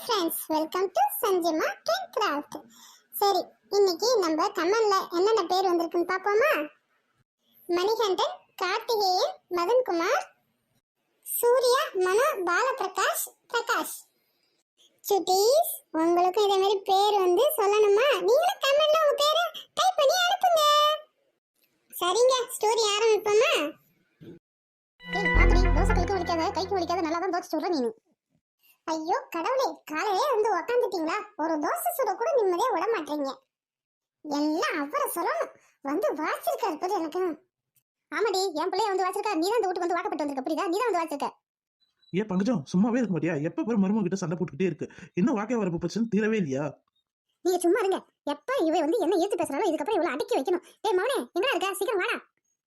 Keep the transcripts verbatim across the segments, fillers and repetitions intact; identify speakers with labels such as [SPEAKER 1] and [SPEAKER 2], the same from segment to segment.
[SPEAKER 1] Friends, welcome to Sanjima cake craft. சரி, இன்னைக்கு நம்ம கமெண்ட்ல என்னென்ன பேர் வந்திருக்குன்னு பார்ப்போமா? மணிகண்டன், கார்த்திகேயன், மதன்குமார், சூர்யா, மனோ, பாலபிரகாஷ், பிரகாஷ். சுட்டீஸ், உங்களுக்கு இதே மாதிரி பேர் வந்து சொல்லணுமா? நீங்களும் கமெண்ட்ல உங்க பேரை டைப் பண்ணி அனுப்புங்க. சரிங்க, ஸ்டோரி ஆரம்பிப்போமா? ஏய் பாத்ரி, தோசை கைக்கு வலிக்காத, கைக்கு வலிக்காத, நல்லா தான் தோசை சுடுற நீனு. ஐயோ கடவுளே, காலையிலே வந்து உக்காந்துட்டீங்களா? ஒரு தோசை சுட கூட நிம்மதியா விட மாட்டீங்க. எல்லாம் அவரை சொல்லணும். வந்து வாச்சிருக்காரு பாரு எனக்கு. ஆமாடி, என் பிள்ளைய வந்து வாச்சிருக்கா. நீ தான் இந்த வீட்டுக்கு வந்து வாக்கப்பட்டு வந்திருக்க, புரியுதா? நீ தான் வந்து வாச்சிருக்க.
[SPEAKER 2] ஏன் பங்கஜம் சும்மாவே இருக்க மாட்டியா? எப்ப பாரு மருமக கிட்ட சண்டை போட்டுக்கிட்டே இருக்கு. இன்னும் வாக்கே வரப்பு பிரச்சனை தீரவே இல்லையா?
[SPEAKER 1] நீங்க சும்மா இருங்க. எப்ப இவ வந்து என்ன ஏத்து பேசுறாளோ இதுக்கப்புறம் இவளை அடக்கி வைக்கணும். ஏய் மவனே, எங்கடா இருக்க? சீக்கிரம் வாடா.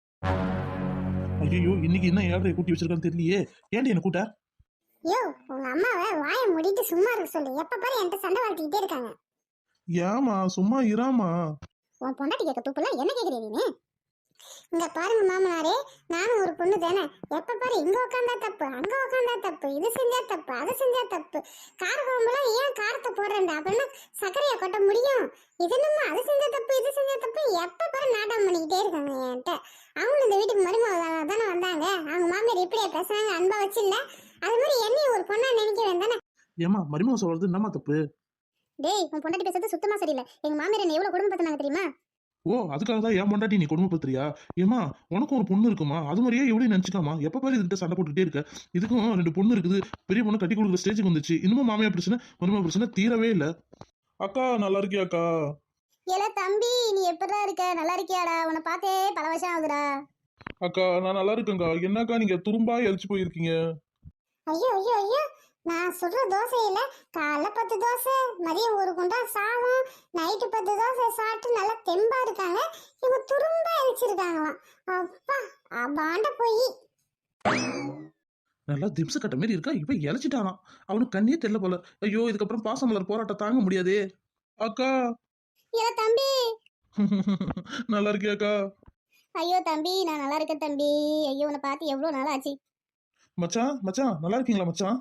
[SPEAKER 2] ஐயோ, இன்னைக்கு என்ன ஏழரை கூட்டி வச்சிருக்கான்னு தெரியலையே. ஏன்டி என்ன கூட்ட?
[SPEAKER 1] யோ, உங்க அம்மாவை வாயை மூடிட்டு சும்மா இருக்க சொல்லு. எப்ப பாரு என்கிட்ட சண்டை வளர்த்திக்கிட்டே இருக்காங்க.
[SPEAKER 2] ஏமா சும்மா இராமா?
[SPEAKER 1] உன் பொண்டாட்டி கேட்க தூப்புல என்ன கேக்குறீ நீ? இங்க பாருங்க மாமனாரே, நானும் ஒரு பொண்ணு தானே. எப்ப பாரு இங்க உட்காந்தா தப்பு, அங்க உட்காந்தா தப்பு, இது செஞ்சா தப்பு, அதை செஞ்சா தப்பு. கார குழம்புலாம் ஏன் காரத்தை போடுறேன் அப்படின்னா சர்க்கரையை கொட்ட முடியும். இது நம்ம அது செஞ்சா தப்பு, இது செஞ்சா தப்பு. எப்ப பாரு நாட்டம் பண்ணிக்கிட்டே இருக்காங்க என்கிட்ட. அவங்களும் இந்த வீட்டுக்கு மருமக தானே வந்தாங்க. அவங்க மாமியார் இப்படியே பேசுறாங்க, அன்பா வச்சு இல்ல. அது மாதிரி என்னையும் ஒரு பொண்ணா நினைக்க வேண்டானே.
[SPEAKER 2] ஏமா மருமக சொல்றது என்னமா தப்பு?
[SPEAKER 1] டேய், உன் பொண்டாட்டி பேசுறது சுத்தமா சரியில்லை. எங்க மாமியார் என்ன எவ்வளவு குடும்பம் பத்தினாங்க தெரியுமா?
[SPEAKER 2] ஓ, அதுக்காக தான் ஏன் பொண்டாட்டி நீ கொடுமைப்படுத்துறியா? ஏமா உனக்கும் ஒரு பொண்ணு இருக்குமா? அது மாதிரியே எப்படி நினைச்சுக்காமா? எப்ப பாரு இதுகிட்ட சண்டை போட்டுக்கிட்டே இருக்க. இதுக்கும் ரெண்டு பொண்ணு இருக்குது. பெரிய பொண்ணு கட்டி கொடுக்குற ஸ்டேஜுக்கு வந்துச்சு. இன்னமும் மாமியா பிரச்சனை மருமக பிரச்சனை தீரவே இல்ல. அக்கா நல்லா இருக்கியா அக்கா?
[SPEAKER 1] ஏல தம்பி, நீ எப்படா இருக்க? நல்லா இருக்கியாடா? உன்னை பார்த்தே பல வருஷம் ஆகுதுடா.
[SPEAKER 2] அக்கா நான் நல்லா இருக்கேங்க்கா. என்னக்கா நீங்க துரும்பா எரிச்சு போயிருக்கீங்க?
[SPEAKER 1] ஐயோ ஐயோ ஐயோ, நான் சுடுற தோசையில காலைல பத்து தோசை, மதியம் ஒரு குண்டா சாதம், நைட்டு பத்து தோசை சாப்பிட்டு நல்லா தெம்பா இருக்காங்க. இவங்க துரும்பா எரிச்சிருக்காங்களாம். அப்பா அபாண்ட போய்.
[SPEAKER 2] நல்லா திம்ச கட்ட மாதிரி இருக்கா. இப்ப இழைச்சிட்டானாம். அவனுக்கு கண்ணே தெரியல போல. ஐயோ, இதுக்கப்புறம் பாசமலர் போராட்டம் தாங்க முடியாதே. அக்கா
[SPEAKER 1] ஏல தம்பி.
[SPEAKER 2] நல்லா இருக்கியாக்கா?
[SPEAKER 1] ஐயோ தம்பி, நான் நல்லா இருக்கேன் தம்பி. ஐயோ, உன்னை பார்த்து எவ்வளவு நாள் ஆச்சு.
[SPEAKER 2] மச்சான் மச்சான் நல்லா இருக்கீங்களா மச்சான்?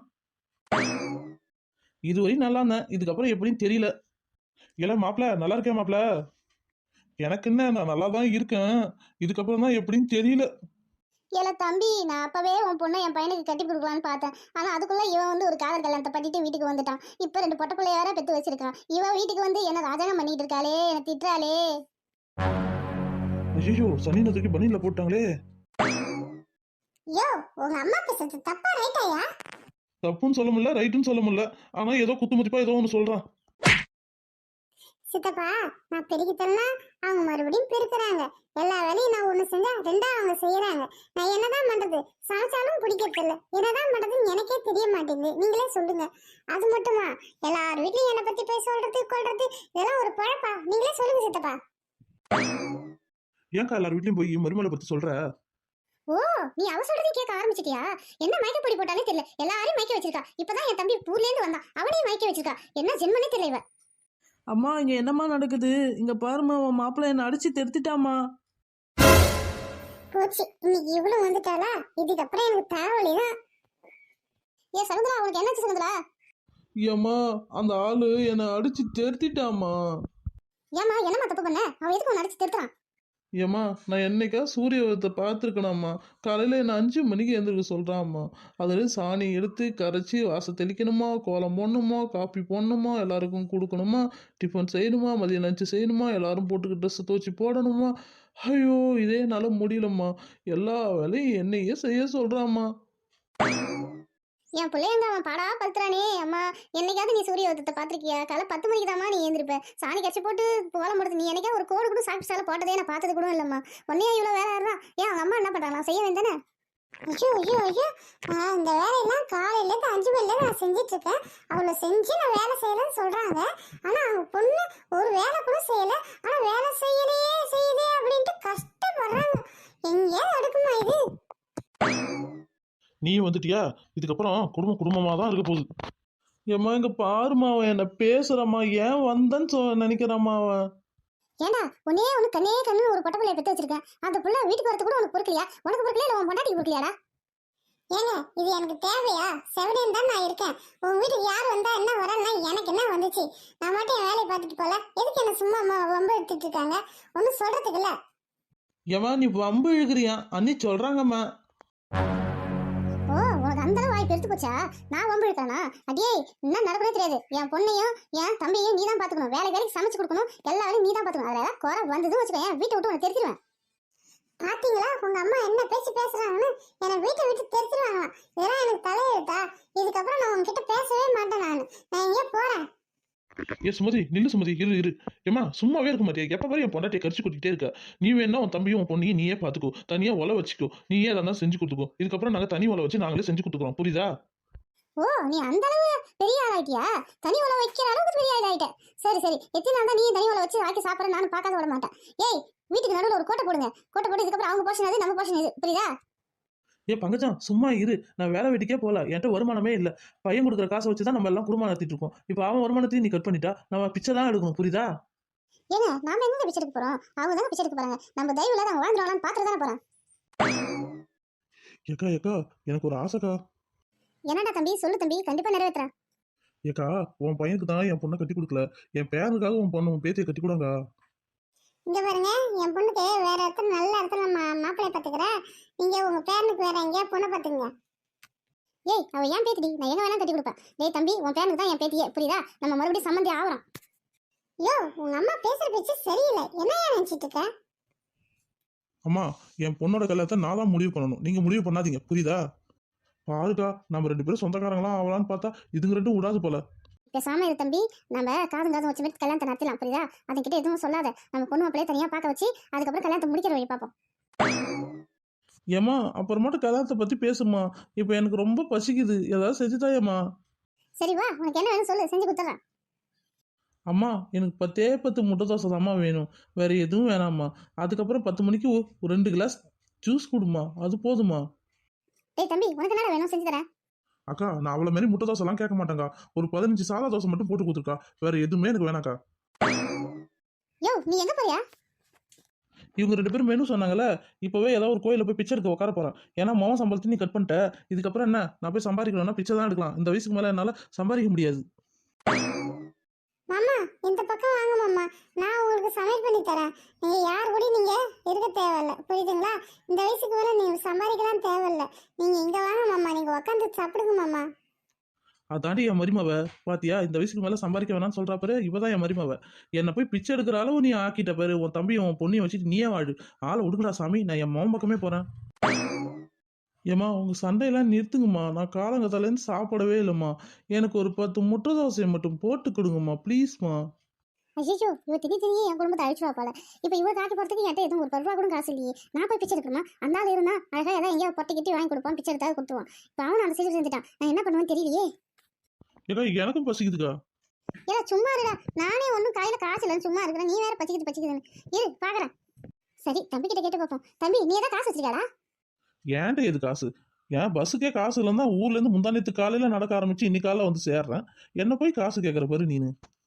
[SPEAKER 2] இதுவரை நல்லா இருந்தேன். இதுக்கப்புறம் எப்படின்னு தெரியல. இல்ல மாப்பிள நல்லா இருக்கேன் மாப்பிள. எனக்கு என்ன, நான் நல்லா தான் இருக்கேன். இதுக்கப்புறம் தான் எப்படின்னு தெரியல.
[SPEAKER 1] ஏல தம்பி, நான் அப்பவே உன் பொண்ணை என் பையனுக்கு கட்டி கொடுக்கலான்னு பார்த்தேன். ஆனா அதுக்குள்ள இவன் வந்து ஒரு காதல் கல்யாணத்தை பண்ணிட்டு வீட்டுக்கு வந்துட்டான். இப்ப ரெண்டு பொட்ட பிள்ளைய வேற பெத்து வச்சிருக்கான். இவன் வீட்டுக்கு வந்து என்ன ராஜாங்கம் பண்ணிட்டு இருக்காளே, என்ன திட்டுறாளே.
[SPEAKER 2] ஐயோ, சனி நதுக்கு பனியில போட்டாங்களே.
[SPEAKER 1] யோ, உங்க அம்மா பேசுறது தப்பா ரைட்டாயா?
[SPEAKER 2] தப்புன்னு சொல்ல முடியல, ரைட்டுன்னு சொல்ல முடியல. ஆனா ஏதோ குத்து மதிப்பா ஏதோ ஒன்று சொல்றான்.
[SPEAKER 1] சித்தப்பா, நான் பெருகிட்டேன்னா அவங்க மறுபடியும் பெருக்குறாங்க. எல்லா வேலையும் நான் ஒண்ணு செஞ்சா ரெண்டா அவங்க செய்யறாங்க. நான் என்னதான் பண்றது? சமைச்சாலும் பிடிக்கிறது இல்ல. என்னதான் பண்றதுன்னு எனக்கே தெரிய மாட்டேங்குது. நீங்களே சொல்லுங்க. அது மட்டுமா, எல்லார் வீட்லயும் என்னை பத்தி போய் சொல்றது கொள்றது இதெல்லாம் ஒரு பழப்பா? நீங்களே சொல்லுங்க சித்தப்பா.
[SPEAKER 2] ஏன்க்கா எல்லார் வீட்லயும் போய் மருமலை பத்தி சொல்ற?
[SPEAKER 1] ஓ, நீ அவ சொல்றதையும் கேட்க ஆரம்பிச்சிட்டியா? என்ன மயக்க பொடி போட்டாலே தெரியல, எல்லாரையும் மயக்க வச்சிருக்கா. இப்பதான் என் தம்பி ஊர்ல இருந்து வந்தான், அவனையும் மயக்க வச்சிருக்கா. என்ன ஜென்மனே தெரியல இவ.
[SPEAKER 3] அம்மா, இங்க என்னம்மா நடக்குது? இங்க பாருமா, உன் மாப்பிள்ளை என்ன அடிச்சு தெருத்திட்டாமா.
[SPEAKER 1] போச்சு, இன்னைக்கு இவ்வளவு வந்துட்டாளா? இதுக்கப்புறம் எனக்கு தலைவலிதான். ஏ சகுந்தரா, உனக்கு என்னாச்சு சகுந்தரா?
[SPEAKER 3] ஏம்மா, அந்த ஆளு என்ன அடிச்சு தெருத்திட்டாமா.
[SPEAKER 1] ஏமா என்னமா தப்பு பண்ண? அவன் எதுக்கு உன்னை அடிச்சு தெருத்துறான்?
[SPEAKER 3] ஏம்மா, நான் என்னைக்கா சூரியத்தை பார்த்துருக்கணாம்மா. காலையில் என்ன அஞ்சு மணிக்கு எழுந்திருக்க சொல்கிறாம்மா. அதில் சாணி எடுத்து கரைச்சி வாச தெளிக்கணுமா, கோலம் போடணுமா, காப்பி போடணுமா, எல்லாருக்கும் கொடுக்கணுமா, டிஃபன் செய்யணுமா, மதியம் லஞ்சு செய்யணுமா, எல்லாரும் போட்டுக்க ட்ரெஸ்ஸை துவச்சி போடணுமா. ஐயோ, இதே என்னால் முடியலம்மா. எல்லா வேலையும் என்னையே செய்ய சொல்கிறாம்மா.
[SPEAKER 1] என் பிள்ளைங்க அவன் பாடா படுத்துறானே. அம்மா, என்னைக்காவது நீ சூரிய உதயத்தை பார்த்துருக்கியா? காலை பத்து மணிக்கு தாம்மா நீ எழுந்திருப்ப. சாணி கரைச்சி போட்டு கோலம் போடுறது. நீ என்னைக்கா ஒரு கோடு கூட சாப்பிட்டு சாலை போட்டதே நான் பார்த்தது கூட இல்லைம்மா. உன்னையா இவ்வளோ வேலை இருந்தா ஏன் அவங்க அம்மா என்ன பண்ணுறாங்க? நான் செய்ய வேண்டானே. ஐயோ ஐயோ ஐயோ, இந்த வேலையெல்லாம் காலையிலேருந்து அஞ்சு மணிலேருந்து நான் செஞ்சிட்டு இருக்கேன். அவளை செஞ்சு நான் வேலை செய்யலன்னு சொல்றாங்க. ஆனா அவங்க பொண்ணு ஒரு வேலை கூட செய்யல. ஆனா வேலை செய்யலையே செய்யுதே அப்படின்ட்டு கஷ்டப்படுறாங்க. எங்கேயாவது அடுக்குமா இது?
[SPEAKER 2] நீ வந்துட்டியா? இதுக்கப்புறம் குடும்பம் குடும்பமா தான் இருக்க போகுது.
[SPEAKER 3] ஏம்மா, இங்க பாருமா, அவன் என்ன பேசுறம்மா. ஏன் வந்தேன்னு சொ நினைக்கிறாம்மா அவன்.
[SPEAKER 1] ஏண்டா, உன்னே ஒன்று கண்ணே கண்ணு ஒரு பொட்ட பிள்ளைய பெற்று வச்சிருக்கேன். அந்த புள்ள வீட்டுக்கு வரது கூட உனக்கு பொறுக்கலையா? உனக்கு பொறுக்கலையா இல்லை உன் பொண்டாட்டிக்கு பொறுக்கலையாடா? ஏங்க இது எனக்கு தேவையா? செவனேன்னு தான் நான் இருக்கேன். உங்க வீட்டுக்கு யார் வந்தா என்ன வரேன்னா எனக்கு என்ன வந்துச்சு? நான் மட்டும் என் வேலையை பார்த்துட்டு போல. எதுக்கு என்ன சும்மா அம்மா வம்பு எடுத்துட்டு இருக்காங்க? ஒன்றும் சொல்றதுக்கு இல்ல.
[SPEAKER 3] ஏம்மா நீ வம்பு இழுக்கிறியா அண்ணி சொல்றாங்கம்மா.
[SPEAKER 1] ஓ, உனக்கு அந்த அளவு வாய்ப்பு எடுத்து போச்சா? நான் வம்பு எடுத்தானா? அடியே, என்ன நடக்கவே தெரியாது. என் பொண்ணையும் என் தம்பியையும் நீ தான் பாத்துக்கணும். வேலை வேலைக்கு சமைச்சு கொடுக்கணும். எல்லா வேலையும் நீ தான் பாத்துக்கணும். அதுல ஏதாவது குறை வந்ததுன்னு வச்சுக்கோ, என் வீட்டை விட்டு உனக்கு தெரிஞ்சிருவேன். பாத்தீங்களா உங்க அம்மா என்ன பேச்சு பேசுறாங்கன்னு? என்னை வீட்டை விட்டு தெரிஞ்சிருவாங்களாம். இதெல்லாம் எனக்கு தலையெழுத்தா? இதுக்கப்புறம் நான் உங்ககிட்ட பேசவே மாட்டேன். நான் நான் எங்கேயோ போறேன்.
[SPEAKER 2] ஏ சுமதி நில்லு சுமதி, இரு இரு. ஏமா சும்மாவே இருக்க மாட்டியா? எப்ப பாரு என் பொண்டாட்டியை கரிச்சு கொட்டிக்கிட்டே இருக்க. நீ வேணா உன் தம்பியும் உன் பொண்ணையும் நீயே பாத்துக்கோ, தனியா ஒலை வச்சுக்கோ, நீயே எதாவது செஞ்சு கொடுத்துக்கோ. இதுக்கப்புறம் நாங்க தனி ஒலை வச்சு நாங்களே செஞ்சு கொடுத்துக்கிறோம், புரியுதா?
[SPEAKER 1] ஓ, நீ அந்த அளவு பெரிய ஆளாயிட்டியா? தனி உலை வைக்கிற அளவுக்கு பெரிய ஆளாயிட்ட. சரி சரி, எத்தனை நாள் தான் நீ தனி உலை வச்சு வாக்கி சாப்பிட்ற? நானும் பார்க்காத விட மாட்டேன். ஏய், வீட்டுக்கு நடுவில் ஒரு கோட்டை போடுங்க. கோட்டை போட்டு இதுக்கப்புறம் அவங்க போர்ஷன் அது, நம்ம போர்ஷன் இது, புரியுதா?
[SPEAKER 3] ஏ பங்கஜம் சும்மா இரு, நான் வேலை வெட்டிக்கே போகல, என்கிட்ட வருமானமே இல்லை. பையன் கொடுக்குற காசை வச்சு தான் நம்ம எல்லாம் குடும்பம் நடத்திட்டு இருக்கோம். இப்போ அவன் வருமானத்தையும் நீ கட் பண்ணிட்டா நம்ம பிச்சை தான் எடுக்கணும், புரியுதா?
[SPEAKER 1] ஏங்க, நாம எங்க பிச்சை எடுக்க போறோம்? அவங்க தானே பிச்சை எடுக்க போறாங்க. நம்ம தயவு இல்லாத அவங்க வாழ்ந்துருவாங்களான்னு பாத்துட்டு தானே போறோம்.
[SPEAKER 2] ஏக்கா ஏக்கா, எனக்கு ஒரு ஆசைக்கா.
[SPEAKER 1] என்னடா தம்பி, சொல்லு தம்பி, கண்டிப்பா நிறைவேற்றுறேன்.
[SPEAKER 2] ஏக்கா, உன் பையனுக்கு தான் என் பொண்ணை கட்டி கொடுக்கல, என் பேருக்காக உன் பொண்ணு உன் பேத்தியை கட்டி கொடுங்க.
[SPEAKER 1] இங்க பாருங்க, என் பொண்ணுக்கு வேற இடத்துல நல்ல இடத்துல மா மாப்பிள்ளை பாத்துக்கிறேன். நீங்க உங்க பேரனுக்கு வேற எங்கேயா பொண்ணை பாத்துங்க. ஏய், அவ ஏன் பேத்திடி, நான் எங்க வேணா கட்டி கொடுப்பேன். டேய் தம்பி, உன் பேரனுக்கு தான் என் பேத்தியே, புரியுதா? நம்ம மறுபடியும் சம்மந்தி ஆகிறோம். யோ, உங்க அம்மா பேசுற பேச்சு சரியில்லை. என்ன நினைச்சிட்டு இருக்க?
[SPEAKER 2] அம்மா, என் பொண்ணோட கல்யாணத்தை நான் தான் முடிவு பண்ணணும், நீங்க முடிவு பண்ணாதீங்க, புரியுதா? பாருக்கா, நம்ம ரெண்டு பேரும் சொந்தக்காரங்களா ஆகலான்னு பார்த்தா இதுங்க ரெண்டும் விடாது போல.
[SPEAKER 1] பேசாம இரு தம்பி, நம்ம காதும் காதும் வச்சு மாதிரி கல்யாணத்தை நடத்தலாம், புரியுதா? அதுக்கிட்ட எதுவும் சொல்லாத. நம்ம பொண்ணு மாப்பிள்ளையே தனியா பார்க்க வச்சு அதுக்கப்புறம் கல்யாணத்தை முடிக்கிற வழி பார்ப்போம்.
[SPEAKER 3] ஏம்மா அப்புறமாட்டு கல்யாணத்தை பத்தி பேசுமா, இப்போ எனக்கு ரொம்ப பசிக்குது, ஏதாவது செஞ்சுதாயம்மா.
[SPEAKER 1] சரி வா, உனக்கு என்ன வேணும் சொல்லு, செஞ்சு கொடுத்துறேன்.
[SPEAKER 3] அம்மா எனக்கு பத்தே பத்து முட்டை தோசை தாம்மா வேணும், வேற எதுவும் வேணாம்மா. அதுக்கப்புறம் பத்து மணிக்கு ஒ- ஒரு ரெண்டு கிளாஸ் ஜூஸ் கொடுமா, அது போதுமா?
[SPEAKER 1] டேய் தம்பி, உனக்கு என்ன வேணும் செஞ்சு தரேன்.
[SPEAKER 2] அக்கா, நான் அவ்வளோ மாரி முட்டை தோசைலாம் கேட்க மாட்டேங்க்கா, ஒரு பதினஞ்சு சாதா தோசை மட்டும் போட்டு கொடுத்துருக்கா, வேற எதுவுமே எனக்கு வேணாக்கா.
[SPEAKER 1] யோ, நீ எங்க போறியா?
[SPEAKER 3] இவங்க ரெண்டு பேரும் மெனு சொன்னாங்கல்ல, இப்போவே ஏதாவது ஒரு கோயிலில் போய் பிச்சை எடுக்க உட்கார போகிறேன். ஏன்னா மொவன் சம்பளத்தை நீ கட் பண்ணிட்ட, இதுக்கப்புறம் என்ன நான் போய் சம்பாதிக்கணும்னா பிச்சை தான் எடுக்கலாம். இந்த வயசுக்கு மேலே என்னால் சம்பாதிக்க முடியாது.
[SPEAKER 1] மாமா, இந்த பக்கம் வாங்க மாமா, நான் உங்களுக்கு சமையல் பண்ணி தரேன். நீங்க யார் கூட நீங்க இருக்க தேவையில்ல, புரியுதுங்களா? இந்த வயசுக்கு மேல நீங்க சம்பாதிக்கலாம் தேவையில்ல. நீங்க இங்க வாங்க மாமா, நீங்க உட்காந்து சாப்பிடுங்க மாமா.
[SPEAKER 3] அதாண்டி என் மருமவ பாத்தியா, இந்த வயசுக்கு மேலே சம்பாதிக்க வேணாம்னு சொல்கிறா பாரு, இவ தான் என் மருமவ. என்னை போய் பிச்சை எடுக்கிற அளவு நீ ஆக்கிட்ட பாரு, உன் தம்பியும் உன் பொண்ணையும் வச்சுட்டு நீயே வாழு. ஆளை விடுங்கடா சாமி, நான் என் மோன் பக்கமே போகிறேன். ஏம்மா உங்கள் சண்டையெல்லாம் நிறுத்துங்கம்மா, நான் காலங்கத்தாலேருந்து சாப்பிடவே இல்லைம்மா. எனக்கு ஒரு பத்து முட்டை தோசையை மட்டும் போட்டு கொடுங்கம்மா ப்ளீஸ்மா.
[SPEAKER 1] ஐயோ, இவ திடீர் திடீர் என் குடும்பத்தை அழிச்சுவா போல. இப்போ இவ காக்கி போறதுக்கு என்கிட்ட எதுவும் ஒரு பத்து ரூபா கூட காசு இல்லையே. நான் போய் பிச்சை எடுக்கணுமா? அந்த ஆள் இருந்தா அழகா ஏதாவது எங்கேயாவது பொட்டை கிட்டி வாங்கி கொடுப்பான், பிச்சை எடுத்தாவது கொடுத்துருவான். இப்போ அவன் அந்த சீக்கிரம் செஞ்சுட்டான், நான் என்ன பண்ணுவேன்னு தெரியலையே.
[SPEAKER 2] ஏக்கா, எனக்கும் பசிக்குதுக்கா.
[SPEAKER 1] ஏதா சும்மா இருடா, நானே ஒன்றும் கையில காசு இல்லைன்னு சும்மா இருக்கிறேன், நீ வேற பச்சிக்கிட்டு பச்சிக்குதுன்னு இரு பாக்குறேன். சரி, தம்பி கிட்ட கேட்டு பார்ப்போம். தம்பி, நீ ஏதாவது காசு வச்சிருக்காடா?
[SPEAKER 2] ஏன்ட்ட எது காசு? ஏன் பஸ்ஸுக்கே காசு இல்லைன்னா ஊர்லேருந்து முந்தானத்து காலையில் நடக்க ஆரம்பிச்சு இன்னைக்கு காலையில் வந்து சேர்றேன், என்ன போய் காசு கேட்குற பாரு நீனு.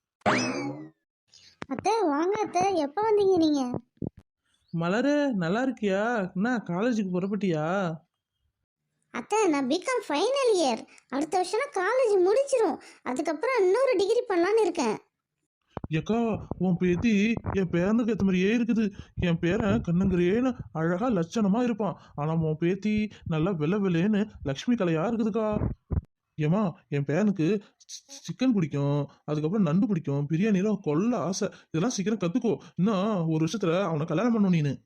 [SPEAKER 1] அத்தை வாங்க அத்தை, எப்போ வந்தீங்க நீங்க?
[SPEAKER 3] மலரு நல்லா இருக்கியா? என்ன காலேஜுக்கு புறப்பட்டியா?
[SPEAKER 1] அத்தை, நான் பிகாம் ஃபைனல் இயர், அடுத்த வருஷம் காலேஜ் முடிச்சிரும். அதுக்கப்புறம் இன்னொரு டிகிரி பண்ணலான்னு இருக்கேன்.
[SPEAKER 2] ஏக்கா, உன் பேத்தி என் பேரனுக்கு ஏற்ற மாதிரியே இருக்குது. என் பேரன் கண்ணங்கரேன்னு அழகா லட்சணமா இருப்பான், ஆனா உன் பேத்தி நல்லா வெள்ளை வெள்ளைன்னு லக்ஷ்மி கலையா இருக்குதுக்கா. ஏமா, என் பேரனுக்கு சிக்கன் பிடிக்கும், அதுக்கப்புறம் நண்டு பிடிக்கும், பிரியாணிலாம் கொல்ல ஆசை. இதெல்லாம் சீக்கிரம் கத்துக்கோ, இன்னும் ஒரு வருஷத்துல அவனை கல்யாணம் பண்ணணும் நீனு.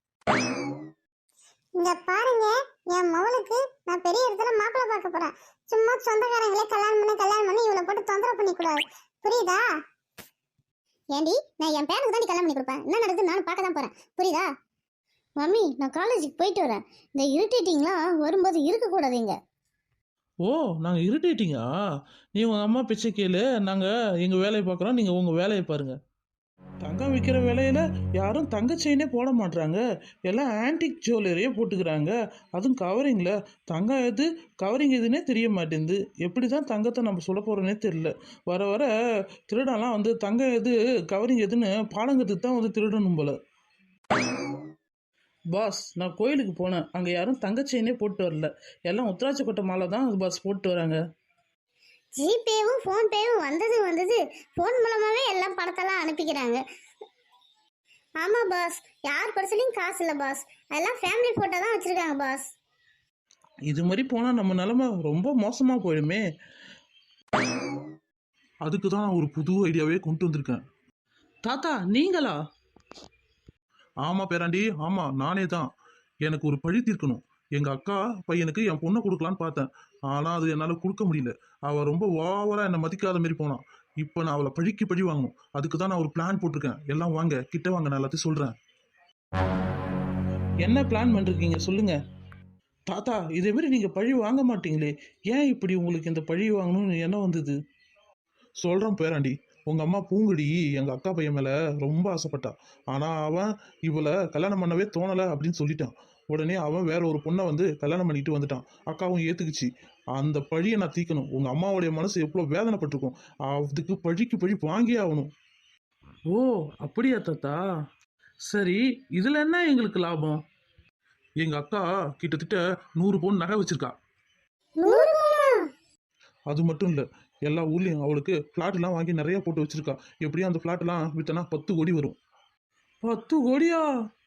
[SPEAKER 1] இங்க பாருங்க, என் மவளுக்கு நான் பெரிய இடத்துல மாப்பிள்ளை பார்க்க போறேன். சும்மா சொந்தக்காரங்களே கல்யாணம் பண்ணி கல்யாணம் பண்ணி இவளை போட்டு தொந்தரவு பண்ணி கூடாது, புரியுதா? ஏண்டி, நான் என் பேருக்கு தான் கல்யாணம் பண்ணி கொடுப்பேன். என்ன நடக்குது நானும் பார்க்க தான் போறேன், புரியுதா? மம்மி, நான் காலேஜுக்கு போயிட்டு வரேன். இந்த இரிட்டேட்டிங்லாம் வரும்போது இருக்கக்கூடாதுங்க.
[SPEAKER 3] ஓ நாங்கள் இரிட்டேட்டிங்கா? நீ உங்கள் அம்மா பிச்சை கேளு, நாங்கள் எங்கள் வேலையை பார்க்குறோம், நீங்கள் உங்கள் வேலையை பாருங்க. தங்கம் விற்கிற விலையில யாரும் தங்க செயினே போட மாட்றாங்க, எல்லாம் ஆன்டிக் ஜுவல்லரியே போட்டுக்கிறாங்க. அதுவும் கவரிங்கில். தங்கம் எது கவரிங் எதுன்னே தெரிய மாட்டேங்குது. எப்படி தான் தங்கத்தை நம்ம சொல்ல போகிறோன்னே தெரியல. வர வர திருடெல்லாம் வந்து தங்கம் எது கவரிங் எதுன்னு பாடங்கிறதுக்கு தான் வந்து திருடணும் போல. பாஸ் நான் கோயிலுக்கு போனேன், அங்கே யாரும் தங்க செயினே போட்டு வரல, எல்லாம் உத்ராட்ச கொட்டை மாலை தான் பாஸ் போட்டு வராங்க.
[SPEAKER 1] ஜிபேவும் ஃபோன்பேவும் வந்தது வந்தது ஃபோன் மூலமாவே எல்லாம் பணத்தெல்லாம் அனுப்பிக்கிறாங்க. ஆமா பாஸ், யார் பர்சலையும் காசு இல்லை பாஸ், எல்லாம் ஃபேமிலி போட்டோ தான் வச்சிருக்காங்க பாஸ்.
[SPEAKER 3] இது மாதிரி போனால் நம்ம நிலமை ரொம்ப மோசமாக போயிடுமே.
[SPEAKER 2] அதுக்கு தான் நான் ஒரு புது ஐடியாவே கொண்டு வந்திருக்கேன்.
[SPEAKER 3] தாத்தா நீங்களா?
[SPEAKER 2] ஆமா பேராண்டி, ஆமா நானே தான். எனக்கு ஒரு பழி தீர்க்கணும். எங்க அக்கா பையனுக்கு என் பொண்ணை கொடுக்கலான்னு பார்த்தேன். ஆனா அது என்னால கொடுக்க முடியல. அவ ரொம்ப ஓவரா என்னை மதிக்காத மாதிரி போனான். இப்போ நான் அவளை பழிக்கு பழி வாங்கணும். அதுக்கு தான் நான் ஒரு பிளான் போட்டிருக்கேன். எல்லாம் வாங்க, கிட்ட வாங்க, நான் எல்லாத்தையும் சொல்றேன்.
[SPEAKER 3] என்ன பிளான் பண்ணிருக்கீங்க சொல்லுங்க. தாத்தா இதே மாதிரி நீங்கள் பழி வாங்க மாட்டீங்களே, ஏன் இப்படி உங்களுக்கு இந்த பழி வாங்கணும்னு என்ன வந்தது?
[SPEAKER 2] சொல்றேன் பேராண்டி. உங்க அம்மா பூங்குடி எங்க அக்கா பையன் மேல ரொம்ப ஆசைப்பட்டா. ஆனா அவன் இவளை கல்யாணம் பண்ணவே தோணல அப்படின்னு சொல்லிட்டான். உடனே அவன் வேற ஒரு பொண்ணை வந்து கல்யாணம் பண்ணிட்டு வந்துட்டான். அக்காவும் ஏத்துக்குச்சு. அந்த பழியை நான் தீக்கணும். உங்க அம்மாவுடைய மனசு எவ்வளவு வேதனைப்பட்டிருக்கும். அதுக்கு பழிக்கு பழி வாங்கியே ஆகணும்.
[SPEAKER 3] ஓ அப்படியா தாத்தா? சரி, இதில் என்ன எங்களுக்கு லாபம்?
[SPEAKER 2] எங்க அக்கா கிட்டத்தட்ட நூறு பவுன் நகை வச்சிருக்கா.
[SPEAKER 1] நூறு பவுனா?
[SPEAKER 2] அது மட்டும் இல்ல, எல்லா ஊர்லயும் அவளுக்கு பிளாட் எல்லாம் வாங்கி நிறைய போட்டு வச்சிருக்கா. எப்படியும் அந்த பிளாட் எல்லாம் வித்தனா பத்து கோடி வரும்.
[SPEAKER 3] பத்து கோடியா?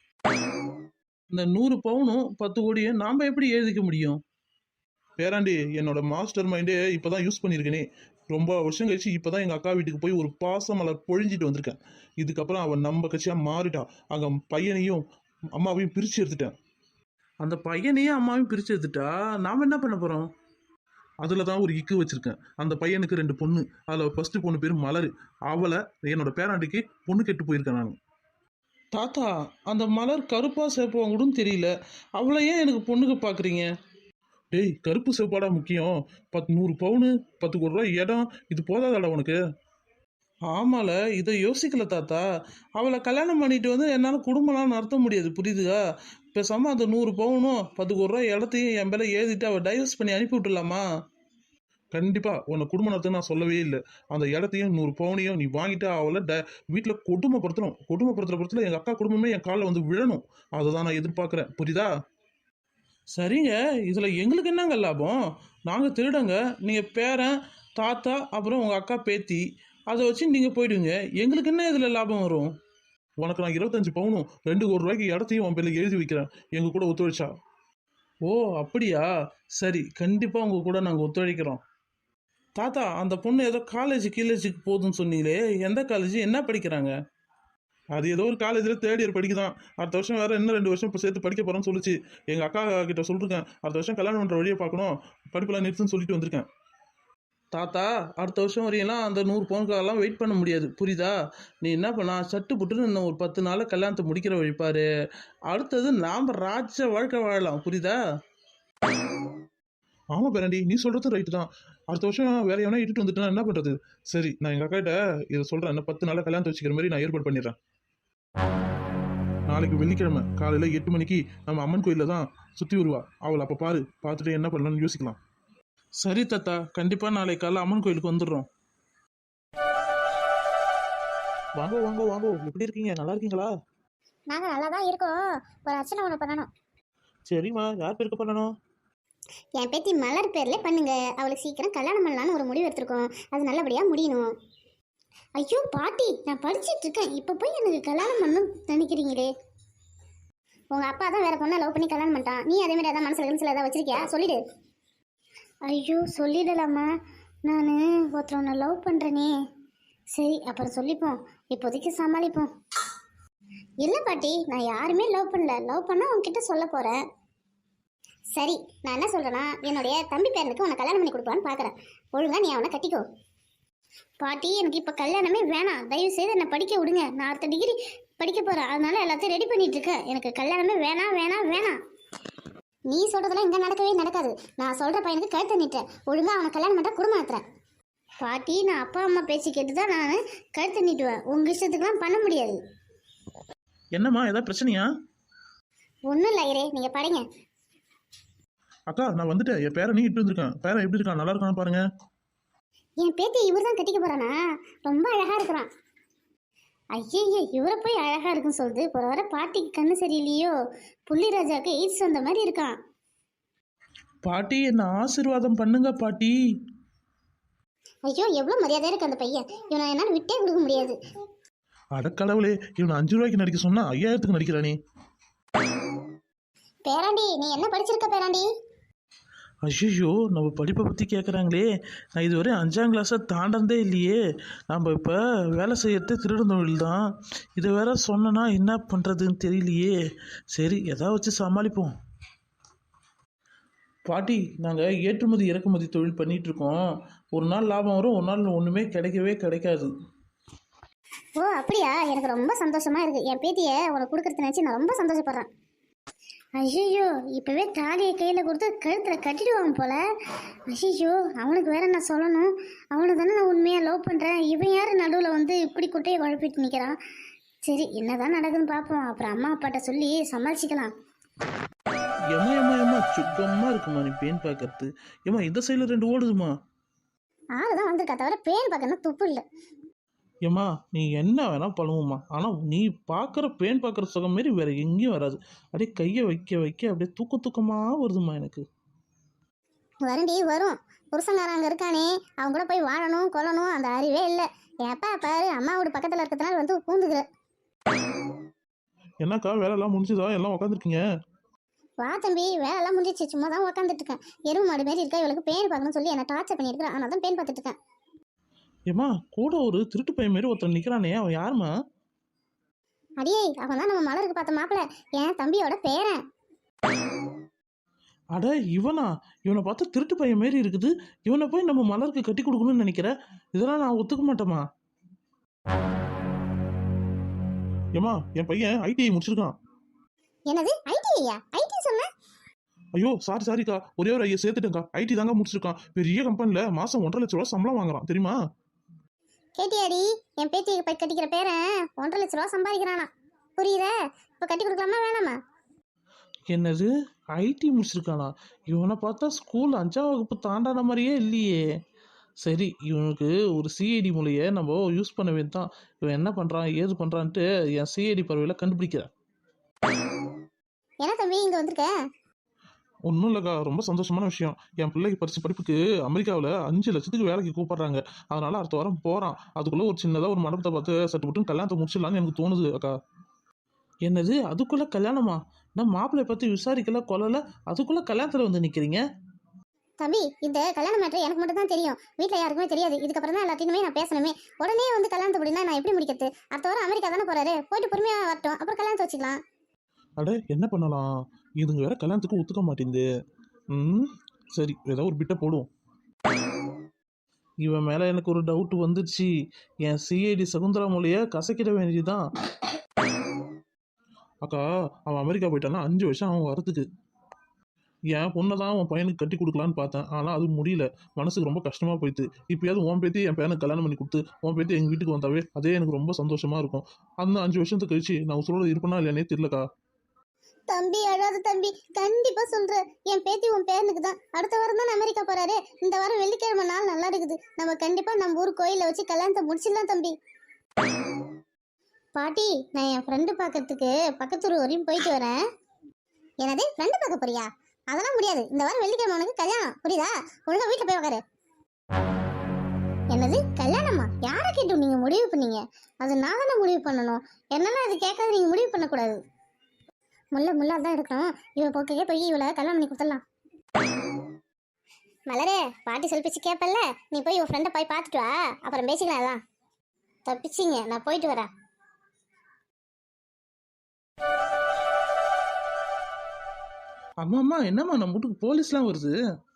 [SPEAKER 3] இந்த நூறு பவுனும் பத்து கோடியும் நாம் எப்படி எழுதிக்க முடியும்?
[SPEAKER 2] பேராண்டி, என்னோட மாஸ்டர் மைண்டே இப்பதான் யூஸ் பண்ணியிருக்கேனே. ரொம்ப வருஷம் கழிச்சு இப்பதான் எங்க அக்கா வீட்டுக்கு போய் ஒரு பாச மலர் பொழிஞ்சிட்டு வந்திருக்கேன். இதுக்கப்புறம் அவன் நம்ம கட்சியா மாறிட்டா. அங்க பையனையும் அம்மாவையும் பிரிச்சு எடுத்துட்டேன்.
[SPEAKER 3] அந்த பையனையும் அம்மாவையும் பிரிச்சு எடுத்துட்டா நாம் என்ன பண்ண போகிறோம்?
[SPEAKER 2] அதில் தான் ஒரு இக்கு வச்சிருக்கேன். அந்த பையனுக்கு ரெண்டு பொண்ணு. அதில் ஃபர்ஸ்ட் பொண்ணு பேர் மலர். அவளை என்னோட பேராண்டிக்கு பொண்ணு கெட்டு போயிருக்கேன் நான்.
[SPEAKER 3] தாத்தா அந்த மலர் கருப்பா சேப்பா கூட தெரியல, அவளை ஏன் எனக்கு பொண்ணுக்கு பார்க்குறீங்க?
[SPEAKER 2] டேய், கருப்பு செவ்வாடா முக்கியம். பத்து நூறு பவுனு, பத்து கோடி ரூபாய் இடம், இது போதாதாடா உனக்கு?
[SPEAKER 3] ஆமால, இதை யோசிக்கல தாத்தா. அவளை கல்யாணம் பண்ணிட்டு வந்து என்னால் குடும்பம்லாம் நடத்த முடியாது, புரியுதுதா? பேசாமல் அந்த நூறு பவுனும் பத்து கோடி ரூபாய் இடத்தையும் என் பேரை எழுதிட்டு அவள் டைவர்ஸ் பண்ணி அனுப்பி விட்டுலாமா?
[SPEAKER 2] கண்டிப்பா உன்னை குடும்ப நடத்த நான் சொல்லவே இல்லை. அந்த இடத்தையும் நூறு பவுனையும் நீ வாங்கிட்டு அவளை ட வீட்டில் கொடுமைப்படுத்தணும். கொடுமைப்படுத்துற படத்தில் எங்கள் அக்கா குடும்பமே என் காலில் வந்து விழணும். அதை தான் நான் எதிர்பார்க்குறேன், புரியுதா?
[SPEAKER 3] சரிங்க, இதில் எங்களுக்கு என்னங்க லாபம்? நாங்கள் திருடங்க, நீங்கள் பேரன் தாத்தா அப்புறம் உங்கள் அக்கா பேத்தி, அதை வச்சு நீங்கள் போயிடுவீங்க. எங்களுக்கு என்ன இதில் லாபம் வரும்?
[SPEAKER 2] உனக்கு நான் இருபத்தஞ்சு பவுனும் ரெண்டு கோடி ரூபாய்க்கு இடத்தையும் உன் பேரில் எழுதி வைக்கிறேன், எங்க கூட ஒத்துழைச்சா.
[SPEAKER 3] ஓ அப்படியா? சரி, கண்டிப்பாக உங்கள் கூட நாங்கள் ஒத்துழைக்கிறோம். தாத்தா அந்த பொண்ணு ஏதோ காலேஜ் கீழேஜுக்கு போகுதுன்னு சொன்னீங்களே, எந்த காலேஜ், என்ன படிக்கிறாங்க?
[SPEAKER 2] அது ஏதோ ஒரு காலேஜில் தேர்ட் இயர் படிக்குதான். அடுத்த வருஷம் வேற இன்னும் ரெண்டு வருஷம் இப்போ சேர்த்து படிக்க போறேன்னு சொல்லிச்சு. எங்க அக்கா கிட்ட சொல்லிருக்கேன், அடுத்த வருஷம் கல்யாணம் பண்ற வழியை பார்க்கணும், படிப்பெல்லாம் நிறுத்துன்னு சொல்லிட்டு வந்திருக்கேன்.
[SPEAKER 3] தாத்தா அடுத்த வருஷம் வரையெல்லாம் அந்த நூறு பவுனுக்காகலாம் வெயிட் பண்ண முடியாது, புரியுதா? நீ என்ன பண்ணா, சட்டு புட்டுன்னு இன்னும் ஒரு பத்து நாளில் கல்யாணத்தை முடிக்கிற வழிப்பாரு. அடுத்தது நாம் ராஜ வாழ்க்கை வாழலாம், புரியுதா?
[SPEAKER 2] ஆமா பேரண்டி, நீ சொல்றது ரைட்டு தான். அடுத்த வருஷம் வேற எவனா இட்டுட்டு வந்துட்டு என்ன பண்றது? சரி, நான் எங்க அக்கா கிட்ட இதை சொல்றேன். இன்னும் பத்து நாளில் கல்யாணத்தை வச்சுக்கிற மாதிரி நான் ஏற்பாடு பண்ணிடுறேன். நாளைக்கு வெள்ளிக்கிழமை காலையில எட்டு மணிக்கு நம்ம அம்மன் கோயிலில் தான் சுற்றி வருவா. அவளை அப்போ பாரு, பார்த்துட்டு என்ன பண்ணலாம்னு யோசிக்கலாம்.
[SPEAKER 3] சரி தாத்தா, கண்டிப்பாக நாளை காலைல அம்மன் கோயிலுக்கு வந்துடுறோம்.
[SPEAKER 2] வாங்க வாங்க வாங்க, எப்படி இருக்கீங்க? நல்லா இருக்கீங்களா?
[SPEAKER 1] நாங்க நல்லா தான் இருக்கோம். ஒரு அர்ச்சனை ஒன்று பண்ணணும்.
[SPEAKER 2] சரிம்மா, யார் பேருக்கு பண்ணணும்?
[SPEAKER 1] என் பேத்தி மலர் பேர்ல பண்ணுங்க. அவளுக்கு சீக்கிரம் கல்யாணம் பண்ணலான்னு ஒரு முடிவு எடுத்திருக்கோம். அது நல்லபடியா முடியணும். ஐயோ பாட்டி, நான் படிச்சிட்டு இருக்கேன், இப்ப போய் எனக்கு கல்யாணம் பண்ணணும் நினைக்கிறீங்களே? உங்க அப்பா தான் வேற பொண்ணை லவ் பண்ணி கல்யாணம் பண்ணிட்டான். நீ அதே மாதிரி அதான் மனசுல மனசுல ஏதாவது வச்சிருக்கியா? சொல்லிடு. ஐயோ சொல்லிடலாமா? நான் ஒருத்தர் ஒன்று லவ் பண்ணுறேனே. சரி அப்புறம் சொல்லிப்போம், இப்போதைக்கு சமாளிப்போம். இல்லை பாட்டி, நான் யாருமே லவ் பண்ணல. லவ் பண்ணால் உங்ககிட்ட சொல்ல போகிறேன். சரி, நான் என்ன சொல்கிறேன்னா, என்னுடைய தம்பி பேரனுக்கு உன்னை கல்யாணம் பண்ணி கொடுப்பான்னு பார்க்குறேன். ஒழுங்கா நீ அவனை கட்டிக்கோ. பாட்டி, எனக்கு இப்போ கல்யாணமே வேணாம். தயவு செய்து என்னை படிக்க விடுங்க. நான் அடுத்த டிகிரி படிக்க போகிறேன், அதனால எல்லாத்தையும் ரெடி பண்ணிட்டு இருக்கேன். எனக்கு கல்யாணமே வேணாம் வேணாம் வேணாம். நீ சொல்றதெல்லாம் இங்க நடக்கவே நடக்காது. நான் சொல்ற பையனுக்கு கழுத்து நீட்டேன். ஒழுங்கா அவனை கல்யாணம் பண்ணா குடும்பம் நடத்துறேன். பாட்டி, நான் அப்பா அம்மா பேச்சு கேட்டுதான் நான் கழுத்து நீட்டுவேன். உங்க இஷ்டத்துக்குலாம் பண்ண முடியாது.
[SPEAKER 3] என்னம்மா, ஏதாவது பிரச்சனையா?
[SPEAKER 1] ஒன்றும் இல்லை ஐயரே, நீங்க படிங்க.
[SPEAKER 2] அக்கா, நான் வந்துட்டேன். என் பேரை நீ இட்டு வந்திருக்கேன். பேரை எப்படி இருக்கான்? நல்லா இருக்கான்னு பாருங்க.
[SPEAKER 1] என் பேத்தி இவர் தான் கட்டிக்க போறானா? ரொம்ப அழகா இருக்கிறான். ஐயய்ய இவரை போய் அழகா இருக்குன்னு சொல்லுது. ஒரு வர பாட்டிக்கு கண்ணு சரியில்லையோ? புள்ளி ராஜாவுக்கு எய்ட்ஸ் வந்த மாதிரி இருக்கான்.
[SPEAKER 3] பாட்டி என்ன ஆசீர்வாதம் பண்ணுங்க பாட்டி.
[SPEAKER 1] ஐயோ எவ்வளவு மரியாதையா இருக்கு அந்த பையன். இவனை என்னால விட்டே கொடுக்க முடியாது.
[SPEAKER 2] அடக்கடவுளே, இவனை அஞ்சு ரூபாய்க்கு நடிக்க சொன்னா ஐயாயிரத்துக்கு நடிக்கிறானே.
[SPEAKER 1] பேராண்டி நீ என்ன படிச்சிருக்க பேராண்டி?
[SPEAKER 3] ஐயோ நம்ம படிப்பை பற்றி கேட்குறாங்களே. நான் இதுவரை அஞ்சாம் கிளாஸை தாண்டதே இல்லையே. நம்ம இப்போ வேலை செய்யறது திருடன் தொழில் தான். இதை வேற சொன்னனா என்ன பண்ணுறதுன்னு தெரியலையே. சரி எதாவது வச்சு சமாளிப்போம். பாட்டி நாங்கள் ஏற்றுமதி இறக்குமதி தொழில் பண்ணிட்டு இருக்கோம். ஒரு நாள் லாபம் வரும், ஒரு நாள் ஒன்றுமே கிடைக்கவே கிடைக்காது.
[SPEAKER 1] ஓ அப்படியா? எனக்கு ரொம்ப சந்தோஷமா இருக்கு. என் பேத்தியை உனக்கு கொடுக்கறது நினைச்சு நான் ரொம்ப சந்தோஷப்படுறேன். ஐயோ இப்பவே தாலியை கையில கொடுத்து கழுத்துல கட்டிடுவாங்க போல. ஐயோ அவனுக்கு வேற நான் சொல்லணும். அவனை தானே நான் உண்மையா லவ் பண்றேன். இவன் யாரு நடுவில் வந்து இப்படி குட்டையை குழப்பிட்டு நிற்கிறான். சரி என்னதான் நடக்குதுன்னு பார்ப்போம். அப்புறம் அம்மா அப்பாட்ட சொல்லி சமாளிச்சுக்கலாம்.
[SPEAKER 3] ஏமா ஏமா ஏமா சுத்தமாக இருக்குமா நீ பேன் பார்க்கறது? ஏமா இந்த சைடில் ரெண்டு ஓடுதுமா.
[SPEAKER 1] ஆளு தான் வந்திருக்கா தவிர பேன் பார்க்கணும் துப்பு இல்லை.
[SPEAKER 3] ஏம்மா நீ என்ன வேணா பண்ணுவோம்மா, ஆனால் நீ பார்க்குற பேன் பார்க்குற சுகம் மாரி வேற எங்கேயும் வராது. அப்படியே கையை வைக்க வைக்க அப்படியே தூக்க தூக்கமாக வருதுமா எனக்கு.
[SPEAKER 1] வரண்டி வரும். புருஷங்காரன் அங்கே இருக்கானே, அவங்க கூட போய் வாழணும் கொல்லணும் அந்த அறிவே இல்லை. எப்பா பாரு அம்மா வீடு பக்கத்தில் இருக்கிறதுனால வந்து பூந்துக்கிற.
[SPEAKER 2] என்னக்கா வேலைலாம் முடிஞ்சுதா? எல்லாம் உட்காந்துருக்கீங்க.
[SPEAKER 1] வா தம்பி வேலைலாம் முடிஞ்சிச்சு. சும்மா தான் உட்காந்துட்டு இருக்கேன். எருவு மாடு மாரி இருக்கா, இவளுக்கு பேன் பார்க்கணும்னு சொல்லி என்ன டார்ச்சர் பண்ணியிருக்கிறேன். ஆனால் தான் பேன் பார்த்துட்டு இருக்கேன்.
[SPEAKER 2] ஏமா கூட ஒரு திருட்டு பையன் மாரி ஒருத்தன் நிக்கிறானே, அவன் யாருமா?
[SPEAKER 1] அடியே அவன் தான் நம்ம மலருக்கு பார்த்த மாப்பிள்ள, என் தம்பியோட பேரன்.
[SPEAKER 3] அட இவனா? இவனை பார்த்தா திருட்டு பையன் மாரி இருக்குது. இவனை போய் நம்ம மலருக்கு கட்டி கொடுக்கணும்னு நினைக்கிறேன். இதெல்லாம் நான் ஒத்துக்க மாட்டேமா.
[SPEAKER 2] ஏமா என் பையன் ஐடிஐ முடிச்சிருக்கான்.
[SPEAKER 1] என்னது ஐடிஐயா? ஐடி சொன்ன?
[SPEAKER 2] ஐயோ சாரி சாரிக்கா, ஒரே ஒரு ஐயா சேர்த்துட்டேங்க்கா. ஐடி தாங்க முடிச்சிருக்கான். பெரிய கம்பெனில மாசம் ஒன்றரை லட்ச ரூபா சம்பளம் வாங்குறான் தெரியுமா?
[SPEAKER 1] கேட்டியாடி? என் பேத்தியை போய் கட்டிக்கிற பேரன் ஒன்றரை லட்ச ரூபா சம்பாதிக்கிறானா. புரியுதா? இப்போ கட்டி கொடுக்கலாமா வேணாமா?
[SPEAKER 3] என்னது ஐடி முடிச்சிருக்கானா? இவனை பார்த்தா ஸ்கூல் அஞ்சாம் வகுப்பு தாண்டான மாதிரியே இல்லையே. சரி இவனுக்கு ஒரு சிஐடி மூலையை நம்ம யூஸ் பண்ண வேண்டியது தான். இவன் என்ன பண்ணுறான் ஏது பண்ணுறான்ட்டு என் சிஐடி பறவையில் கண்டுபிடிக்கிறேன்.
[SPEAKER 1] என்ன தம்பி இங்கே வந்திருக்க?
[SPEAKER 2] ஒன்றும் இல்லைக்கா, ரொம்ப சந்தோஷமான விஷயம். என் பிள்ளைக்கு படிச்ச படிப்புக்கு அமெரிக்காவில் அஞ்சு லட்சத்துக்கு வேலைக்கு கூப்பிடுறாங்க. அதனால அடுத்த வாரம் போகிறான். அதுக்குள்ளே ஒரு சின்னதாக ஒரு மண்டபத்தை பார்த்து சட்டு மட்டும் கல்யாணத்தை முடிச்சிடலான்னு எனக்கு தோணுது அக்கா.
[SPEAKER 3] என்னது அதுக்குள்ளே கல்யாணமா? நான் மாப்பிள்ளைய பற்றி விசாரிக்கல கொள்ளல, அதுக்குள்ளே கல்யாணத்தில் வந்து நிற்கிறீங்க?
[SPEAKER 1] தம்பி இந்த கல்யாண மேட்ரு எனக்கு மட்டும் தான் தெரியும். வீட்டில் யாருக்குமே தெரியாது. இதுக்கப்புறம் தான் எல்லாத்தையுமே நான் பேசணுமே. உடனே வந்து கல்யாணத்தை முடினா நான் எப்படி முடிக்கிறது? அடுத்த வாரம் அமெரிக்கா தானே போறாரு, போயிட்டு பொறுமையாக வரட்டும், அப்புறம் கல்யாணத்தை வச்சுக்கலாம்.
[SPEAKER 2] அட என்ன பண்ணலாம், இதுங்க வேற கல்யாணத்துக்கு ஒத்துக்க மாட்டேங்குது. ம் சரி ஏதாவது ஒரு பிட்டை போடுவோம்.
[SPEAKER 3] இவன் மேலே எனக்கு ஒரு டவுட் வந்துடுச்சு. என் சிஐடி சகுந்தரா மொழியை கசக்கிட வேண்டியதுதான்.
[SPEAKER 2] அக்கா அவன் அமெரிக்கா போயிட்டான்னா அஞ்சு வருஷம் அவன் வரத்துக்கு. என் பொண்ணை தான் உன் பையனுக்கு கட்டி கொடுக்கலான்னு பார்த்தேன். ஆனால் அது முடியல. மனசுக்கு ரொம்ப கஷ்டமாக போயிடுது. இப்போயாவது உன் பேத்தி என் பையனுக்கு கல்யாணம் பண்ணி கொடுத்து உன் பேத்தி எங்கள் வீட்டுக்கு வந்தாவே அதே எனக்கு ரொம்ப சந்தோஷமாக இருக்கும். அந்த அஞ்சு வருஷத்துக்கு கழிச்சு நான் உசுரோட இருப்பேனா இல்லையானே தெரியலக்கா.
[SPEAKER 1] தம்பி அழாத தம்பி, கண்டிப்பா சொல்றேன். என் பேத்தி உன் பேரனுக்கு தான். அடுத்த வாரம் தான் அமெரிக்கா போறாரு. இந்த வாரம் வெள்ளிக்கிழமை நாள் நல்லா இருக்குது. நம்ம கண்டிப்பா நம்ம ஊர் கோயில வச்சு கல்யாணத்தை முடிச்சிடலாம் தம்பி. பாட்டி நான் என் ஃப்ரெண்டு பார்க்கறதுக்கு பக்கத்தூர் வரையும் போயிட்டு வரேன். என்னது ஃப்ரெண்டு பார்க்க போறியா? அதெல்லாம் முடியாது. இந்த வாரம் வெள்ளிக்கிழமை உனக்கு கல்யாணம், புரியுதா? ஒழுங்கா வீட்டில் போய் உக்காரு. என்னது கல்யாணமா? யாரை கேட்டு நீங்க முடிவு பண்ணீங்க? அது நான் தானே முடிவு பண்ணணும். என்னெல்லாம் அது கேட்காது நீங்க முடிவு பண்ணக்கூடாது. முல்லை முல்லா தான் இருக்கணும். இவ போக்கையே போய் இவளை கல்யாணம் பண்ணி கொடுத்துடலாம். மலரே பாட்டி செல்பிச்சு கேட்பல்ல, நீ போய் உன் ஃப்ரெண்டை போய் பார்த்துட்டு வா, அப்புறம் பேசிக்கலாம். எல்லாம் தப்பிச்சிங்க, நான் போயிட்டு வரேன்.
[SPEAKER 3] அம்மா அம்மா என்னம்மா நம்ம வீட்டுக்கு போலீஸ்லாம் வருது?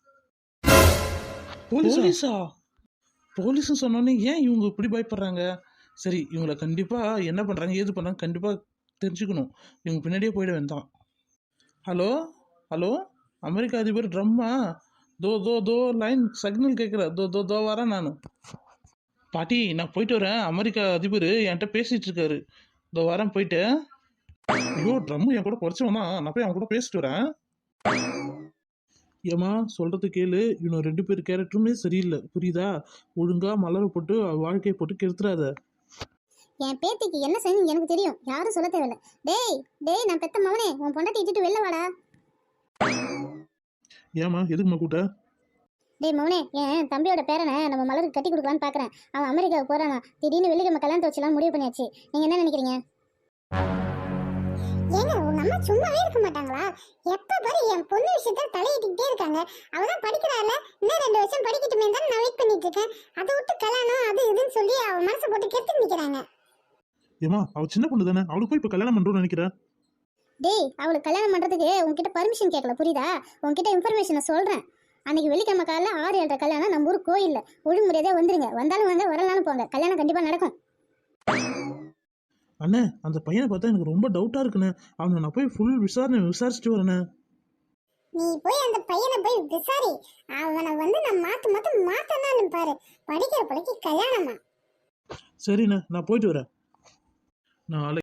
[SPEAKER 2] போலீஸா?
[SPEAKER 3] போலீஸா? போலீஸ்னு சொன்னோன்னே ஏன் இவங்க இப்படி பயப்படுறாங்க? சரி இவங்கள கண்டிப்பாக என்ன பண்ணுறாங்க ஏது பண்ணுறாங்க கண்டிப்பாக தெரிஞ்சுக்கணும். இவங்க பின்னாடியே போயிட வேண்டாம். ஹலோ ஹலோ அமெரிக்கா அதிபர் ட்ரம்மா? தோ தோ தோ லைன் சிக்னல் கேட்குற தோ தோ தோ வரேன் நான். பாட்டி நான் போயிட்டு வரேன். அமெரிக்கா அதிபர் என்கிட்ட பேசிகிட்டு இருக்காரு. தோ வரேன் போயிட்டு.
[SPEAKER 2] ஐயோ ட்ரம்மு என் கூட குறைச்சவனா, நான் போய் அவன் கூட பேசிட்டு வரேன்.
[SPEAKER 3] ஏம்மா சொல்கிறது கேளு. இவனு ரெண்டு பேர் கேரக்டருமே சரியில்லை புரியுதா? ஒழுங்காக மலரை போட்டு அவ வாழ்க்கையை போட்டு கெடுத்துறாத.
[SPEAKER 1] என் பேத்திக்கு என்ன செய்யணும் எனக்கு தெரியும், யாரும் சொல்ல தேவையில்ல. டேய் டேய் நான் பெத்த மவனே, உன் பொண்டாட்டி இட்டுட்டு வெளில வாடா.
[SPEAKER 2] ஏமா எதுக்குமா கூட்ட?
[SPEAKER 1] டேய் மவனே, என் தம்பியோட பேரனை நம்ம மலருக்கு கட்டி கொடுக்கலான்னு பார்க்குறேன். அவன் அமெரிக்காவுக்கு போறானா, திடீர்னு வெள்ளிக்கிழமை கல்யாணத்தை வச்சுலாம் முடிவு பண்ணியாச்சு. நீங்க என்ன நினைக்கிறீங்க? ஏங்க உங்க அம்மா சும்மாவே இருக்க மாட்டாங்களா? எப்ப பாரு என் பொண்ணு விஷயத்துல தலையிட்டுக்கிட்டே இருக்காங்க. அவதான் படிக்கிறாள், இன்னும் ரெண்டு வருஷம் படிக்கட்டுமே தான் நான் வெயிட் பண்ணிட்டு இருக்கேன். அதை விட்டு கல்யாணம் அது இதுன்னு சொல்லி அவ மனசை போட்டு கெடுத்து நிக்கிறாங்க.
[SPEAKER 2] ஏமா அவ சின்ன பொண்ணு தானே, அவளுக்கு போய் இப்ப கல்யாணம் பண்றோம்னு நினைக்கிறேன்.
[SPEAKER 1] டேய் அவளுக்கு கல்யாணம் பண்றதுக்கு உன்கிட்ட பர்மிஷன் கேட்கல, புரியுதா? உன்கிட்ட இன்ஃபர்மேஷனை சொல்றேன். அன்னைக்கு வெள்ளிக்கிழமை காலைல ஆறு ஏழரை கல்யாணம் நம்ம ஊர் கோயில்ல. ஒழுங்குமுறையதே வந்துருங்க, வந்தாலும் வாங்க வரலான்னு போங்க, கல்யாணம் கண்டிப்பா நடக்கும்.
[SPEAKER 2] அண்ணே அந்த பையனை பார்த்தா எனக்கு ரொம்ப டவுட்டா இருக்குண்ணே. அவனை நான் போய் ஃபுல் விசாரணை விசாரிச்சுட்டு வரேண்ணே.
[SPEAKER 1] நீ போய் அந்த பையனை போய் விசாரி. அவனை வந்து நான் மாத்து மாத்து மாத்தனான்னு பாரு. படிக்கிற படிக்க கல்யாணமா?
[SPEAKER 2] சரிண்ணே நான் போயிட்டு வரேன். நாளை